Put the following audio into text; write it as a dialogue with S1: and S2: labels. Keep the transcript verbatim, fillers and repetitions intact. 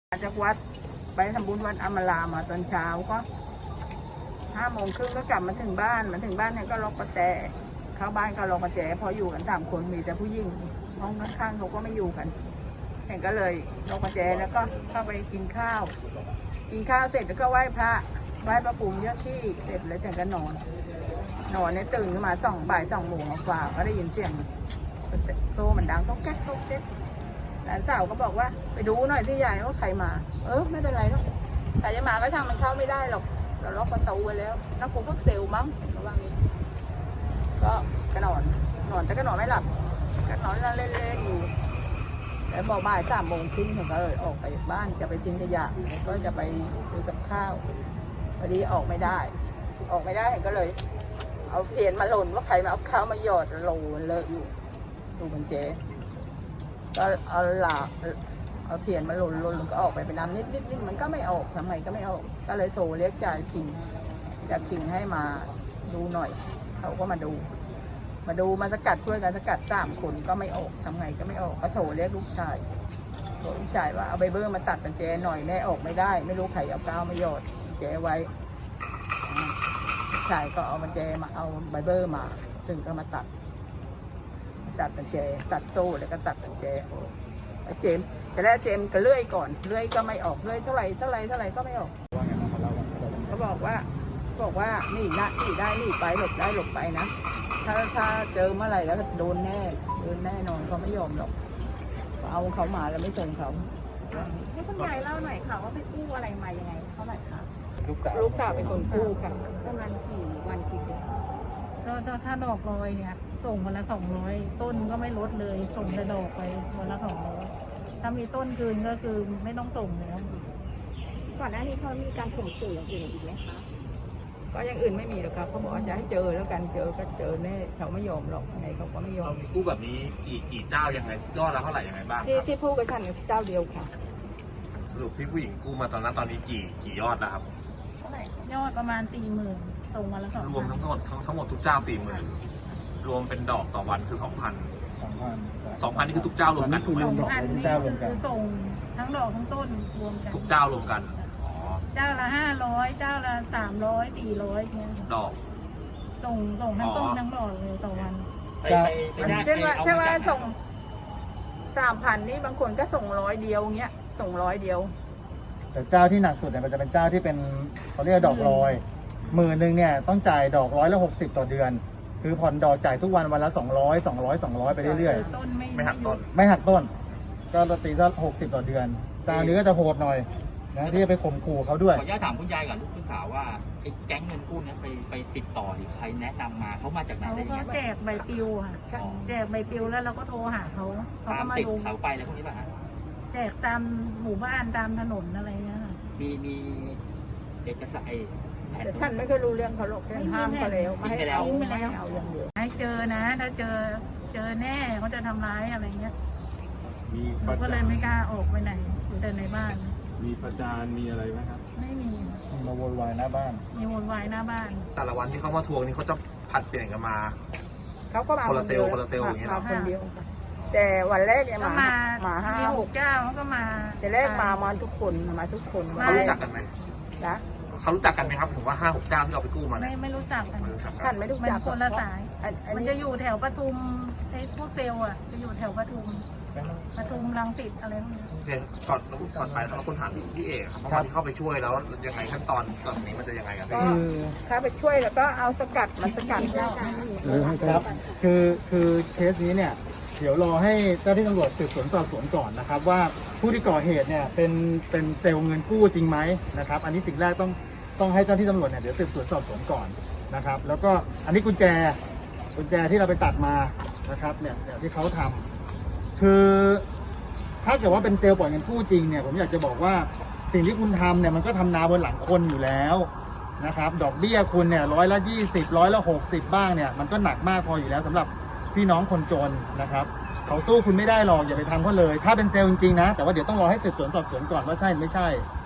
S1: จากวัดไปทำบุญวัดอมรามาตอนเช้าก็ห้าโมงครึ่งก็กลับมาถึงบ้านมาถึงบ้านเนี่ยก็ล็อกประแจเข้าบ้านก็ล็อกประแจพออยู่กันสามคนมีแต่ผู้หญิงห้องข้างๆเขาก็ไม่อยู่กันเห็นก็เลยล็อกประแจแล้วก็เข้าไปกินข้าวกินข้าวเสร็จแล้วก็ไหว้พระไหว้พระภูมิเจ้าที่เสร็จแล้วถึงก็นอนนอนเนี่ยตื่นขึ้นมาสองบ่ายสองโมงกว่าก็ได้ยินเสียงโซ่มันดังต้องแก๊กต้องแก๊กหลานสาวก็บอกว่าไปดูหน่อยที่ยายว่าใครมาเออไม่เป็นไรหรอกใครจะมาก็ช่างมันเข้าไม่ได้หรอกเราล็อกประตูไว้แล้วนักกูพักเซลมั้งเขาว่างี้ก็กระนอนนอนแต่ก็นอนไม่หลับก็นอนเล่นๆอยู่แล้วบอกบ่ายสามโมงครึ่งผมก็เลยออกไปบ้านจะไปทิ้งขยะก็จะไปซื้อกับข้าวพอดีออกไม่ได้ออกไม่ได้ก็เลยเอาเสียนมาหล่นว่าใครมาเอาข้าวมาหยอดโหลเลอะอยู่ดูมันเจ๊ก็เอาหลาเอาเทียนมาหล่นหล่นก็ออกไปเป็นน้ำนิดนิดนิดมันก็ไม่ออกทำไงก็ไม่ออกก็เลยโทรเรียกจ่ายคิงจ่ายคิงให้มาดูหน่อยเขาก็มาดูมาดูมาสกัดช่วยกันสกัดสามคนก็ไม่ออกทำไงก็ไม่ออกก็โทรเรียกลูกชายโทรลูกชายว่าเอาใบเบอร์มาตัดกันแจหน่อยแน่ออกไม่ได้ไม่รู้ใครเอาก้าวมาหยอดแจไว้ลูกชายก็เอามันแจมาเอาใบเบอร์มาซึ่งก็มาตัดตัดกันแจตัดโซ่แล้วก็ตัดกันแจเจมแต่แรกเจมก็เลื่อยก่อนเลื่อยก็ไม่ออกเลื่อยเท่าไหร่เท่าไหร่เท่าไหร่ก็ไม่ออกเขาบอกว่าบอกว่านี่นะนี่ได้นี่ไปหลบได้หลบไปนะถ้าถ้าเจอเมื่อไหร่แล้วโดนแน่โดนแน่นอนเขาไม่ยอมหรอกเอาเขามาแล้วไม่ส่งเขาให้คุณยายเล่าหน่อยค่ะว่าไปกู้อะไรมายังไงเท่าไหร่คะลูกสาวลูกสาวเป็นคนกู้ค่ะประมาณกี่วันกี่เดือน
S2: ก็ถ้าดอกลอยเนี่ยส่งวันละสองร้อยต้นก็ไม่ลดเลยส่งแต่ดอกไปวันละสองร้อยถ้ามีต้นคืนก็คือไม่ต้องส่งแล้ว
S3: ก่อนหน้านี้เขามีการข่มขู่อย่างอื่นอีกไหมคะ
S1: ก็อย่างอื่นไม่มีหรอกครับเขาบอกจะให้เจอแล้วกันเจอก็เจอแน่เขาไม่ยอมหรอกไงเขาก็ไม่ยอม
S4: กู้แบบนี้กี่กี่เจ้ายังไงยอดละเท่าไหร่ยังไงบ้าง
S1: ที่ที่พูดกับฉันเจ้าเดียวค่ะ
S4: สรุปพี่ผู้หญิงกู้มาตอนนั้นตอนนี้กี่กี่ยอดแล้วครับ
S2: เท่าไหร่ยอดประมาณสี่หมื่นส่งวันละสอง
S4: รวมทั้งหมดทั้งทั้งหมดทุกเจ้าสี่หมื่นรวมเป็นดอกต่อวันคือสองพัน
S5: สองพัน
S4: สองพันนี่คือทุกเจ้ารวมกัน
S2: สองพันนี่คือส่งทั้งดอกทั้งต้นรวมกัน
S4: ทุกเจ้ารวมกันอ๋อ
S2: เจ้าละห้าร้อยเจ้าละสามร้อยสี่ร้อยเนี่ย
S4: ดอก
S2: ส่งส่งทั้งต้นทั้งดอกเลยต่อวัน
S1: เช่นว่าเช่นว่าส่งสามพันนี่บางคนก็ส่งร้อยเดียวเงี้ยส่งร้อยเดียว
S5: แต่เจ้าที่หนักสุดเนี่ยมันจะเป็นเจ้าที่เป็นเขาเรียกดอกลอยหมื่นหนึ่งเนี่ยต้องจ่ายดอกร้อยละหกสิบต่อเดือนคือผ่อนดอกจ่ายทุกวันวันละสองร้อยสองร้อยสองร้อยไปเรื่อย
S2: ๆต้น
S4: ไม่หักต้น
S5: ไม่หักต้นก็ตีซะหกสิบต่อเดือนเจ้านี้ก็จะโหดหน่อยนะที่จะไปข่มขู่เขาด้วย
S6: ขออนุญาตถามคุณยายกับลูกสาวว่าไอ้แก๊งเงินกู้นี้ไปไปติดต่อหรือใครแนะนำมาเขามาจากไหนได้ยังไง
S2: เขาแจกใบปลิวค่ะแจกใบปลิวแล้วเราก็โทรหาเขาเขาก็มา
S6: ดูเขาไปแล้วพวกนี้ป่ะฮะ
S2: แจกตามหมู่บ้านตามถนนอะไรเงี้ย
S6: มีมีเอกสาร
S1: แต่ท่านไม่เคยรู้เรื่องเขาหรอกห้ามเขาแล้วไม่ให้เอาไม่ให้เอาอย่างเดียว
S2: ให้เจอนะถ้าเจอเจอแน่เขาจะทำร้ายอะไรเงี้ยเราก็เลยไม่กล้าออกไปไหนอยู่แต่ในบ้าน
S5: มีประจานมีอะไรไหมครับ
S2: ไม่มี
S5: มาโวยวายหน้าบ้าน
S2: มีโวยวายหน้าบ้าน
S4: แต่ละวันที่เขามาทวงนี่เขาจะผัดเปลี่ยนกันมา
S1: เขาก็มา
S4: คนละเซลคนละเซลอย่างเงี้ย
S1: คนเดียวแต่วันแรกเนี่ยมามาห้า
S2: หกเจ้าเขาก็มา
S1: แต่แรกมามาทุกคนมาทุกคน
S4: เขารู้จักกันไหม
S1: นะ
S4: เขารู้จักกันไหมครับผมว่าห้าหกเจ้าที่เราไปกู้มา
S2: ไม่ไม่รู้จักกัน
S1: ท่านไม่รู้จัก
S2: คนละสายมันจะอยู่แถวปทุมไอ้พวกเซลล์อ่ะจะอยู่แถวปทุมปทุมรังสิตอะไรพวกนี้
S4: โอเคก่อนก่อนไปเราคนถามพี่เอกครับว่าที่เข้าไปช่วยแล้วยังไงขั้นตอนตอนนี้มันจะยังไงกัน
S1: ก็ถ้าไปช่วยแล้วก็เอาสกัดมาสกัดแล้ว
S5: ครับคือคือเคสนี้เนี่ยเดี๋ยวรอให้เจ้าที่ตำรวจสืบสวนสอบสวนก่อนนะครับว่าผู้ที่ก่อเหตุเนี่ยเป็นเป็นเซลล์เงินกู้จริงไหมนะครับอันนี้สิ่งแรกต้องต้องให้เจ้าที่ตำรวจเนี่ยเดี๋ยวสืบสวนสอบสวนก่อนนะครับแล้วก็อันนี้กุญแจกุญแจที่เราไปตัดมานะครับเนี่ยที่เขาทำคือถ้าเกิดว่าเป็นเซลล์ปล่อยเงินกู้จริงเนี่ยผมอยากจะบอกว่าสิ่งที่คุณทำเนี่ยมันก็ทำนาบนหลังคนอยู่แล้วนะครับดอกเบี้ยคุณเนี่ยร้อยละยี่สิบร้อยละหกสิบบ้างเนี่ยมันก็หนักมากพออยู่แล้วสำหรับพี่น้องคนจนนะครับเขาสู้คุณไม่ได้หรอกอย่าไปทำเขาเลยถ้าเป็นเซลล์จริงๆนะแต่ว่าเดี๋ยวต้องรอให้สืบสวนสอบสวนก่อนว่าใช่หรือไม่ใช่